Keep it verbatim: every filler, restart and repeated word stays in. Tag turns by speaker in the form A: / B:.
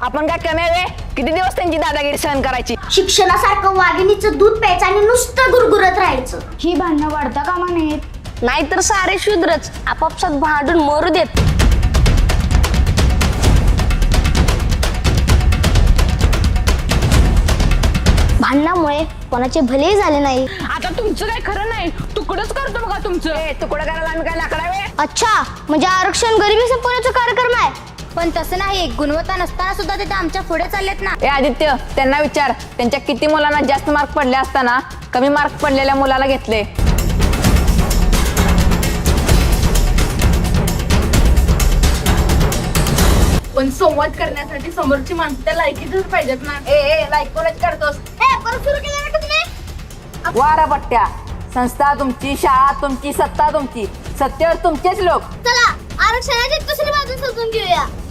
A: आपण काय कमी आहे? किती दिवस त्यांची दादागिरी सहन करायची?
B: शिक्षणासारखं वाघिणीचं दूध प्यायचं आणि नुसतं गुरगुरत राहायचं.
C: ही भांडणं वाढता कामा नयेत.
D: नाहीतर सारे शूद्रच आपापसात भांडून मरू देत. भांडणामुळे कोणाचे भले झाले नाही.
A: आता तुमचं काय खरं नाही, तुकडच करतो बघा तुमचं. ए तुकडं करायला आम्ही काय लाकडावे?
D: अच्छा, म्हणजे आरक्षण गरिबी संपवण्याचा कार्यक्रम आहे.
C: पण तसं नाही, गुणवत्ता नसताना सुद्धा ते आमच्या पुढे चाललेत ना.
A: ए आदित्य, त्यांना विचार, त्यांच्या किती मुलांना जास्त मार्क पडले असताना कमी मार्क पडलेल्या मुलाला घेतले.
E: पण संवाद करण्यासाठी समोरची माणसं त्या लायकीतच पाहिजेत ना.
A: ए ए लाईक कोणाची करतोस?
B: ए परत सुरू केलं ना तुम्ही.
A: वारा पट्ट्या, संस्था तुमची, शाळा तुमची, सत्ता तुमची, सत्तेवर तुमचेच लोक.
B: चला आरक्षणाची दुसरी बाजू समजून घेऊया.